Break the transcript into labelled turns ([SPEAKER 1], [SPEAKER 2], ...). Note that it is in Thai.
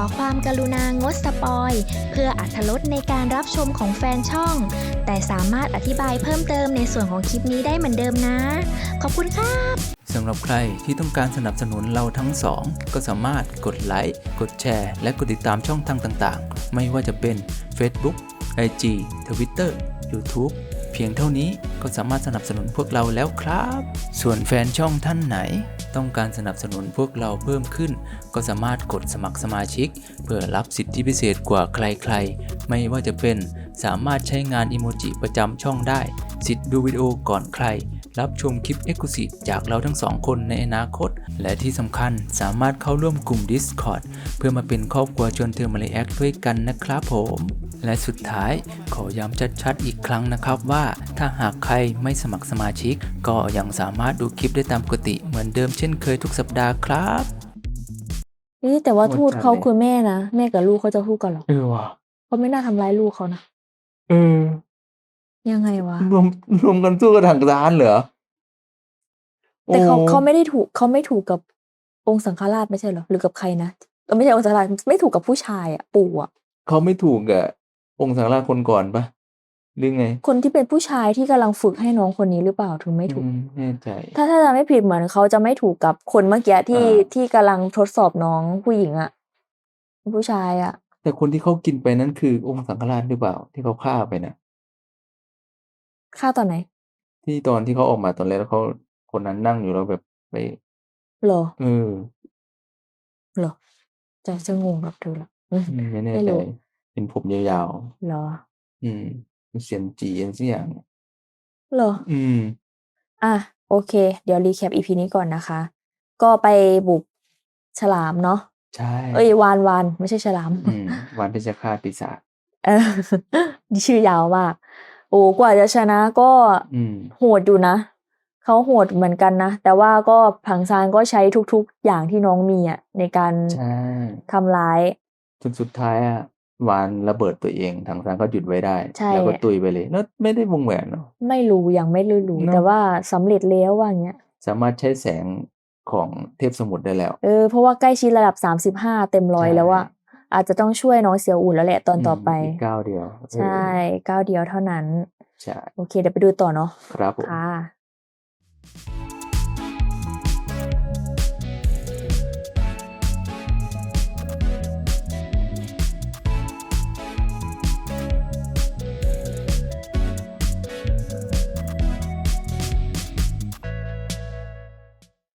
[SPEAKER 1] ความกรุณางดสปอยเพื่ออรรถรสในการรับชมของแฟนช่องแต่สามารถอธิบายเพิ่มเติมในส่วนของคลิปนี้ได้เหมือนเดิมนะขอบคุณครับ
[SPEAKER 2] สำหรับใครที่ต้องการสนับสนุนเราทั้งสองก็สามารถกดไลค์กดแชร์และกดติดตามช่องทางต่างๆไม่ว่าจะเป็น Facebook IG Twitter YouTube เพียงเท่านี้ก็สามารถสนับสนุนพวกเราแล้วครับส่วนแฟนช่องท่านไหนต้องการสนับสนุนพวกเราเพิ่มขึ้นก็สามารถกดสมัครสมาชิกเพื่อรับสิทธิพิเศษกว่าใครๆไม่ว่าจะเป็นสามารถใช้งานอิโมจิประจำช่องได้สิทธิ์ดูวิดีโอก่อนใครรับชมคลิป Exclusive จากเราทั้งสองคนในอนาคตและที่สำคัญสามารถเข้าร่วมกลุ่ม Discord เพื่อมาเป็นครอบครัวชวนเธอมาเลแอคด้วยกันนะครับผมและสุดท้ายขอย้ำชัดๆอีกครั้งนะครับว่าถ้าหากใครไม่สมัครสมาชิกก็ยังสามารถดูคลิปได้ตามปกติเหมือนเดิมเช่นเคยทุกสัปดาห์ครับ
[SPEAKER 3] แต่ว่าทูตเขา
[SPEAKER 2] โหดจัดเลย
[SPEAKER 3] คือแม่นะแม่กับลูกเขาจะทูตกันเหรอ
[SPEAKER 2] ว่ะ
[SPEAKER 3] เขาไม่น่าทำร้ายลูกเขานะ
[SPEAKER 2] เออ
[SPEAKER 3] ยังไงวะ
[SPEAKER 2] รวมกันสู้กับทางร้านเหรอ
[SPEAKER 3] แต่เขา
[SPEAKER 2] โอ้
[SPEAKER 3] เขาไม่ได้ถูกเขาไม่ถูกกับองค์สังฆราชไม่ใช่เหรอหรือกับใครนะไม่ใช่องค์สังฆราชไม่ถูกกับผู้ชายอ่ะปู่อ่ะ
[SPEAKER 2] เขาไม่ถูกกับองค์สังฆราชคนก่อนปะหรือไง
[SPEAKER 3] คนที่เป็นผู้ชายที่กำลังฝึกให้น้องคนนี้หรือเปล่าถึงไม่ถูก
[SPEAKER 2] แน่ใจ
[SPEAKER 3] ถ้าจำไม่ผิดเหมือนเขาจะไม่ถูกกับคนเมื่อกี้ที่กำลังทดสอบน้องผู้หญิงอ่ะผู้ชายอ่ะ
[SPEAKER 2] แต่คนที่เขากินไปนั้นคือองค์สังฆราชหรือเปล่าที่เขาฆ่าไปนะ
[SPEAKER 3] ฆ่าตอนไหน
[SPEAKER 2] ที่ตอนที่เขาออกมาตอนแรกแล้วเขาคนนั้นนั่งอยู่แล้วแบบไป
[SPEAKER 3] เหรอ
[SPEAKER 2] เออ
[SPEAKER 3] เหรอจะงงกับเธอละ
[SPEAKER 2] ไม่แน่
[SPEAKER 3] ไม่
[SPEAKER 2] ใจ
[SPEAKER 3] รู้
[SPEAKER 2] เป็นผมยาว
[SPEAKER 3] เหรอ
[SPEAKER 2] เป็นเสียนจีอันสักอย่าง
[SPEAKER 3] เหรอ อ่ะโอเค เดี๋ยวรีแคป EP นี้ก่อนนะคะ ก็ไปบุกฉลามเนาะ
[SPEAKER 2] ใช่
[SPEAKER 3] วานไม่ใช่ฉลาม
[SPEAKER 2] วันเพชฌฆาตปีศาจ
[SPEAKER 3] เออ ชื่อยาวมาก โอ้กว่าจะชนะก็ โหดอยู่นะ เขาโหดเหมือนกันนะ แต่ว่าก็ผังซานก็ใช้ทุกๆอย่างที่น้องมีอ่ะในการ
[SPEAKER 2] ใช่
[SPEAKER 3] ทำร้าย
[SPEAKER 2] จนสุดท้ายอะวานระเบิดตัวเองทางซานก็หยุดไว้ได้
[SPEAKER 3] ใช่
[SPEAKER 2] แล้วก็ตุยไปเลยแล้วไม่ได้วงแหวนเนาะ
[SPEAKER 3] ไม่รู้ยังไม่รู้
[SPEAKER 2] เนอะ
[SPEAKER 3] แต่ว่าสำเร็จแล้วว่าอย่างเงี้ย
[SPEAKER 2] สามารถใช้แสงของเทพสมุทรได้แล้ว
[SPEAKER 3] เพราะว่าใกล้ชิดระดับ35เต็มร้อย
[SPEAKER 2] ใช่
[SPEAKER 3] แล้วอะอาจจะต้องช่วยน้องเสี่ยวอุ่นแล้วแหละตอนต่อไป
[SPEAKER 2] อีกก้าวเดียว
[SPEAKER 3] ใช่ก้าวเดียวเท่านั้น
[SPEAKER 2] ใช่
[SPEAKER 3] โอเคเดี๋ยวไปดูต่อเนาะ
[SPEAKER 2] ครับผม
[SPEAKER 3] ค่ะ